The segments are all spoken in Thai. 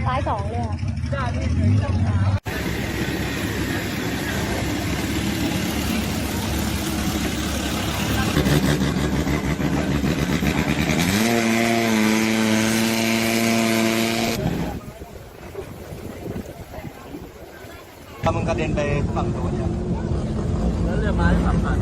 ซ้าย2เลยค่ะถ้ามันกระเด็นไปฝั่งโน้นแล้วเรือไม้ขับผ่าน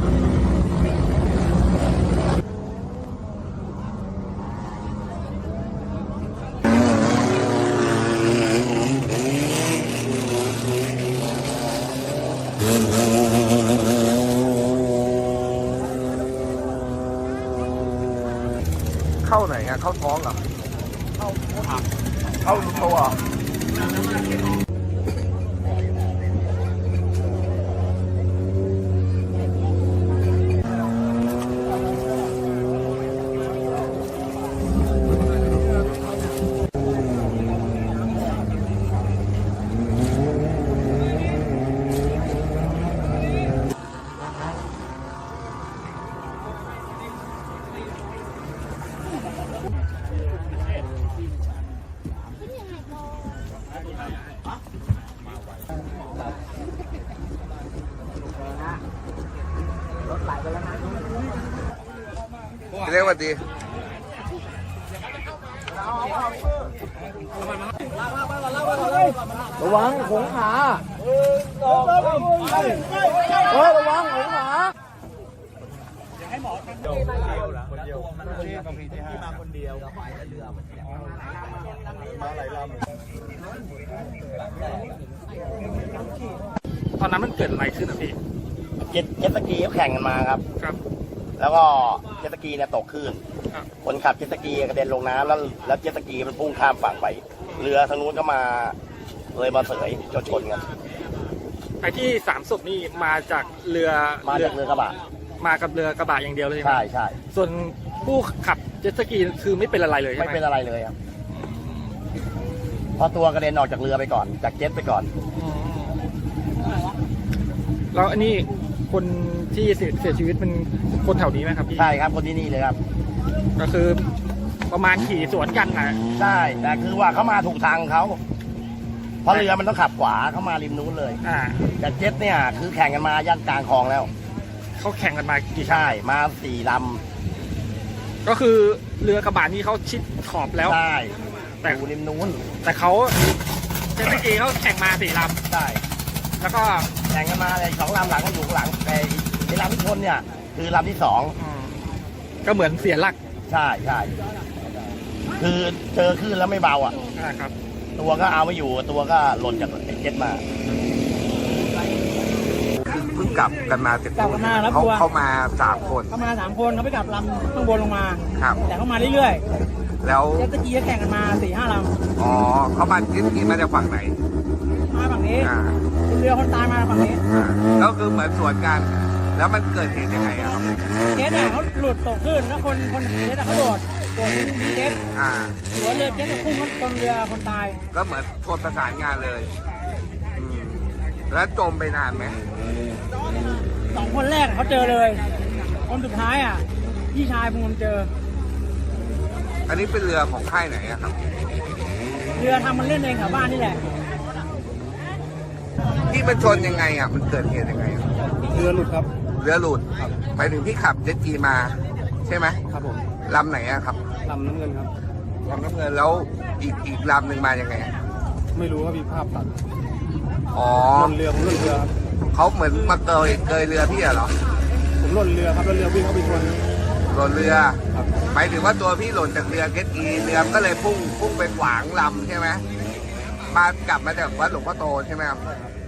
เข้าไหนอะเข้าท้องเหรอเข้าตัว เรียกว่าดีระวังหงขาระวังหงขาอย่าให้หมอคนเดียวบางทีที่มาคนเดียวมาหลายลำตอนนั้นมันเกิดอะไรขึ้นอ่ะพี่เจ็ตสกีเขาแข่งกันมาครับแล้วก็เจ็ตสกีเนี่ยตกคลื่นคนขับเจ็ตสกีกระเด็นลงน้ำแล้วเจ็ตสกีมันพุ่งข้ามฝั่งไปเรือทางนู้นก็มาเลยมาเสยชนกันไอ้ที่3 ศพนี่มาจากเรือกระบะมากับเรือกระบะอย่างเดียวเลยใช่ใช่ส่วนผู้ขับเจ็ตสกีคือไม่เป็นอะไรเลยไม่เป็นอะไรเลยครับพอตัวกระเด็นออกจากเรือไปก่อนจากเจ็ตไปก่อนแล้วอันนี้คนที่เสียชีวิตเป็นคนแถวนี้ไหมครับพี่ใช่ครับคนที่นี่เลยครับก็คือประมาณขี่สวนกันนะใช่แต่คือว่าเขามาถูกทางเขาเพราะเรือมันต้องขับขวาเข้ามาริมนู้นเลยแต่เจ็ตเนี่ยคือแข่งกันมายันกลางคลองแล้วเขาแข่งกันมากี่ใช่มา4 ลำก็คือเรือกระบะนี้เขาชิดขอบแล้วใช่แต่ริมนู้นแต่เขาเจ็ตสกีเขาแข่งมา4 ลำใช่แล้วก็แข่งกันมาเลย2 ลำหลังก็อยู่หลังในลำที่ชนเนี่ยคือลำที่2 ก็เหมือนเสียหลักใช่ใช่คือเจอคลื่นแล้วไม่เบาอ่ะครับตัวก็เอาไม่อยู่ตัวก็หล่นจากเจ็ตมาเพิ่งกลับกันมาเสร็จเขามา3 คนเขามา3 คนเขาไปกลับลำข้างบนลงมาครับแต่เขามาเรื่อยๆแล้วเจ็ตสกีแข่งกันมา4-5 ลำอ๋อเขามาเจ็ตสกีมาจากฝั่งไหนมาฝั่งนี้เรือคนตายมาฝั่งนี้แล้วคือเหมือนสวนกันแล้วมันเกิดเหตุยังไงอะครับเจ็ตเขาหลุดตกขึ้นแล้วคนเจ็ตเขาโดดเจ็ตหัวเรือเจ็ตพุ่งชนเรือคนตายก็เหมือนชนประสานงานเลยแล้วจมไปนานไหม 2 คนแรกเขาเจอเลยคนสุดท้ายพี่ชายผมเจออันนี้เป็นเรือของค่ายไหนอะครับเรือทำมันเล่นเองแถวบ้านนี่แหละที่มันชนยังไงอะมันเกิดเหตุยังไงเรือหลุดครับเรือหลุดไปถึงที่ขับเจ็ตสกีมาใช่ไหมครับผมลำไหนอะครับลำน้ำเงินครับลำน้ำเงินแล้วอีกลำหนึ่งมายังไงไม่รู้ว่ามีภาพตัดอ๋อหล่นเรือผมหล่นเรือครับเขาเหมือนมาเกยเรือพี่เหรอผมหล่นเรือครับแล้วเรือวิ่งเข้าไปชนหล่นเรือหมายถึงว่าตัวพี่หล่นจากเรือเจ็ตสกีเรือก็เลยพุ่งไปขวางลำใช่ไหมมากลับมาจากวัดหลวงพ่อโตใช่ไหมครับ